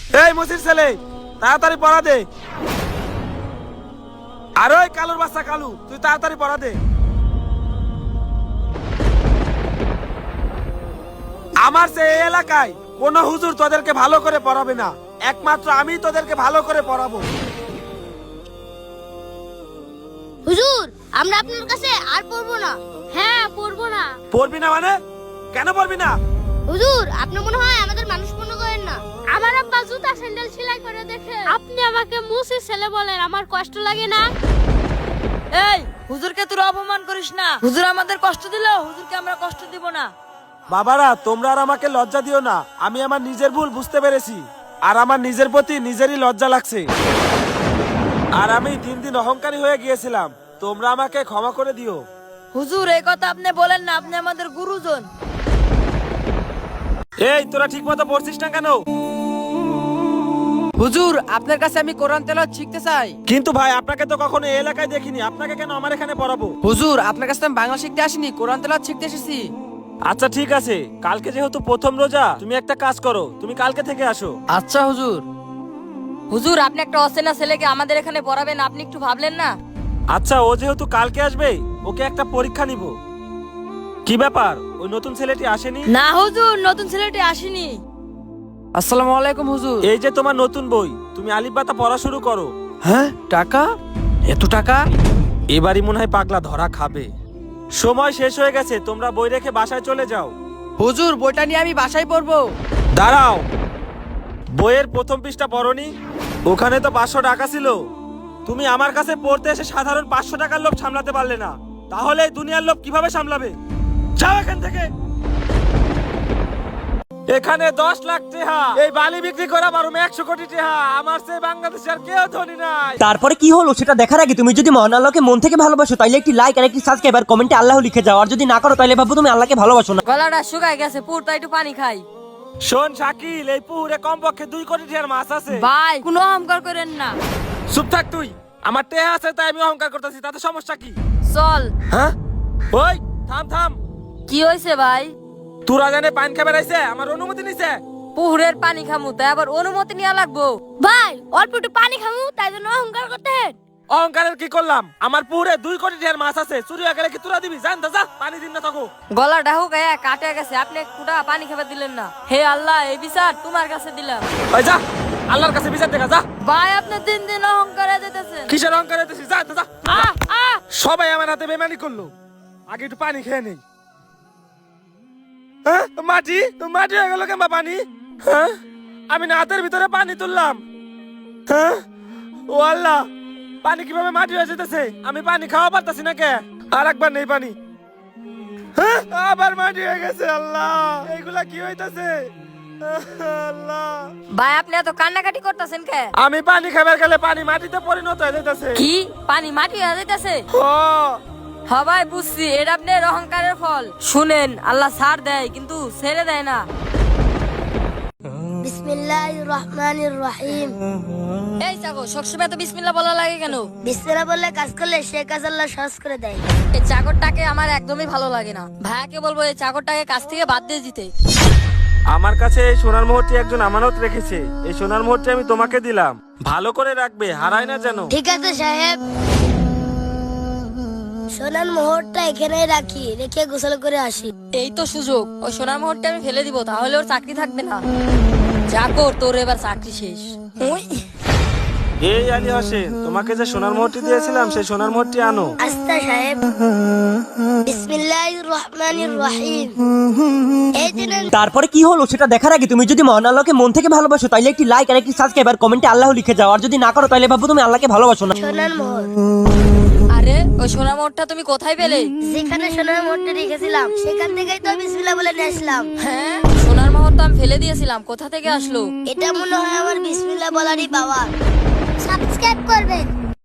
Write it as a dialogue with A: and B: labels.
A: এই মসির ছেলে, তাড়াতাড়ি পড়া দে। আর ওই কালুর বাচ্চা কালু, তুই তাড়াতাড়ি পড়া দে। আমার সে এই এলাকায় কোন হুজুর তোদেরকে ভালো করে পড়াবে না, একমাত্র আমি তোদেরকে ভালো করে পড়াবো।
B: হুজুর, আমরা আপনার কাছে আর পড়বো না। হ্যাঁ, পড়বো না।
A: পড়বি না মানে? কেন পড়বি না?
B: হুজুর, আপনি মনে হয় আমাদের মানুষ মনে করেন না। আমার আব্বা জুতা স্যান্ডেল সেলাই করে দেখে আপনি আমাকে মুসির ছেলে বলেন, আমার কষ্ট লাগে না?
C: এই হুজুরকে তুই অপমান করিস না। হুজুর আমাদের কষ্ট দিল, হুজুরকে আমরা কষ্ট দিব না।
A: বাবারা, তোমরা আর আমাকে লজ্জা দিও না। আমি আমার নিজের ভুল বুঝতে পেরেছি, আর আমার নিজের প্রতি নিজেরই লজ্জা লাগছে। আর আমি দিন দিন অহংকারী হয়ে গিয়েছিলাম, তোমরা আমাকে ক্ষমা করে দিও।
C: হুজুর এই কথা আপনি বলেন না, আপনি আমাদের গুরুজন।
A: এই তোরা ঠিক মতো পড়ছিস না কেন?
D: হুজুর, আপনার কাছে আমি কোরআন তেলাওয়াত শিখতে চাই।
A: কিন্তু ভাই, আপনাকে তো কখনো এই এলাকায় দেখিনি, আপনাকে কেন আমার এখানে পড়াবো?
D: হুজুর, আপনার কাছে আমি বাংলা শিখতে আসিনি, কোরআন তেলাওয়াত শিখতে এসেছি।
A: আচ্ছা ঠিক আছে, কালকে যেহেতু প্রথম রোজা, তুমি একটা কাজ করো, তুমি কালকে থেকে আসো।
D: আচ্ছা হুজুর।
C: হুজুর আপনি একটা অচেনা ছেলেকে আমাদের এখানে পড়াবেন, আপনি একটু ভাবলেন না?
A: আচ্ছা, ও যেহেতু কালকে আসবে, ওকে একটা পরীক্ষা নিব। কি ব্যাপার, ওই নতুন ছেলেটি আসেনি?
C: না হুজুর, নতুন ছেলেটি আসেনি।
D: আসসালামু আলাইকুম হুজুর।
A: এই যে তোমার নতুন বই, তুমি আলিফ বাতা পড়া শুরু করো।
D: হ্যাঁ, টাকা? এত টাকা?
A: এবারই মনে হয় পাগলা ধরা খাবে। সময় শেষ হয়ে গেছে, তোমরা বই রেখে বাসায় চলে যাও।
D: হুজুর, বইটা নিয়ে আমি বাসায় পড়বো।
A: দাঁড়াও, বইয়ের প্রথম পৃষ্ঠা পড়নি? ওখানে তো 500 টাকা ছিল। তুমি আমার কাছে পড়তে এসে সাধারণ 500 টাকার লোভ সামলাতে পারলে না, তাহলে এই দুনিয়ার লোভ কিভাবে সামলাবে? যাও এখান থেকে। এখানে 10 লাখ টাকা এই বালি বিক্রি করা পারো 100 কোটি টাকা। আমার সেই বাংলাদেশে আর কেউ ধনী নাই।
E: তারপরে কি হলো সেটা দেখার আগে তুমি যদি মহান আল্লাহকে মন থেকে ভালোবাসো তাহলে একটি লাইক আর একটি সাবস্ক্রাইব আর কমেন্টে আল্লাহ লিখে যাও, আর যদি না করো তাহলে ভাবো তুমি আল্লাহকে ভালোবাসো না।
C: গলাটা শুকায় গেছে, পুরটা একটু পানি খাই।
A: শোন শাকিল, এই পুকুরে কমপক্ষে 2 কোটি টাকার মাছ আছে।
C: ভাই কোনো অহংকার করেন না।
A: চুপ থাক তুই। আমার টেহা আছে তাই আমি অহংকার করতেছি, তাতে সমস্যা কি?
C: চল।
A: হ্যাঁ, ওই থাম থাম।
C: কি হয়েছে ভাই?
A: তোরা জানে পান খাবে রাইছে, আমার অনুমতি নিছে।
C: পুকুরের পানি খামু তাই আবার অনুমতি নিয়ে লাগবো?
B: ভাই, অল্প একটু পানি খামু তাই জন্য অহংকার করতেন?
A: অহংকারের কি করলাম? আমার পুকুরে 2 কোটি টাকার মাছ আছে, চুরি হয়ে গেলে কি তোরা দিবি? জান যা, পানি দিন না থাকো।
C: গলাটা হুকায় কাটে গেছে, আপনি কুটা পানি খাবার দিলেন না। হে আল্লাহ, এই বিচার তোমার কাছে দিলাম।
A: ওই যা, আল্লাহর কাছে বিচার দেখা যা।
C: ভাই আপনি দিন দিন অহংকারে যেতেছেন।
A: কিসের অহংকার হইতেছিস? যা যা।
C: আহ আহ
A: সবাই আমার হাতে বেমানি করলো, আগে একটু পানি খেয়ে নেই। হ্যাঁ, মাটি মাটি হয়ে গেল কেমন পানি? হ্যাঁ, আমি না হাতের ভিতরে পানি তুললাম। হ্যাঁ, ও আল্লাহ, পানি কিভাবে মাটি হয়ে যেতেছে? আমি পানি খাওয়া পারতাছি না কে? আর একবার নেই পানি। হ্যাঁ, আবার মাটি হয়ে গেছে। আল্লাহ, এইগুলা কি হইতাছে? আল্লাহ,
C: ভাই আপনি এত কান্নাকাটি করতেছেন কে?
A: আমি পানি খাবার গেলে পানি মাটিতে পরিণত হয়ে যাইতাছে।
C: কি পানি মাটি হয়ে যাইতেছে?
A: ও
C: সবাই বুঝছি, এটা আপনার অহংকারের ফল। শুনেন, আল্লাহ ছাড় দেয় কিন্তু ছেড়ে দেয় না।
B: বিসমিল্লাহির রহমানির রহিম।
C: এই চাকর, সবসময় তো বিসমিল্লাহ বলা লাগে কেন?
B: বিসমিল্লাহ বললে কাজ করলে সে কাজ আল্লাহ সহজ করে দেয়।
C: এই চাকরটাকে আমার একদমই ভালো লাগে না। ভাইয়াকে বলবো এই চাকরটাকে কাজ থেকে বাদ দিয়ে দিতে।
A: আমার কাছে এই সোনার মোহরটি একজন আমানত রেখেছে, এই সোনার মোহরটি আমি তোমাকে দিলাম, ভালো করে রাখবে, হারায় না যেন।
B: ঠিক আছে সাহেব, সোনার মোহরটা এখানেই রাখি, রেখে গোসল করে আসি।
C: এই তো সুযোগ, ওই সোনার মোহরটা আমি ফেলে দিব, তাহলে ওর চাকরি থাকবে না। চাকর, তোর এবার চাকরি শেষ। উই।
A: এই আলী হোসেন, তোমাকে যে সোনার মোহরটি দিয়েছিলাম সেই সোনার মোহরটি আনো।
B: আস্তা সাহেব। বিসমিল্লাহির রহমানির রহিম। এই দিন
E: তারপরে কি হলো সেটা দেখার আগে তুমি যদি মহান আল্লাহকে মন থেকে ভালোবাসো তাহলে একটি লাইক আর একটি সাবস্ক্রাইব আর কমেন্টে আল্লাহ লিখে যাও, আর যদি না করো তাহলে ভাবো তুমি আল্লাহকে ভালোবাসো না।
B: সোনার মোহর।
C: আরে ওই সোনার মোহরটা তুমি কোথায় পেলে?
B: যেখানে সোনার মোহরটা রেখেছিলাম সেখান থেকেই তো বিসমিল্লাহ বলে নিয়ে আসলাম।
C: হ্যাঁ, সোনার মোহর তো আমি ফেলে দিয়েছিলাম, কোথা থেকে আসলো?
B: এটা মনে হয় আমার বিসমিল্লাহ বলারই পাওয়ার। সাবস্ক্রাইব করবেন।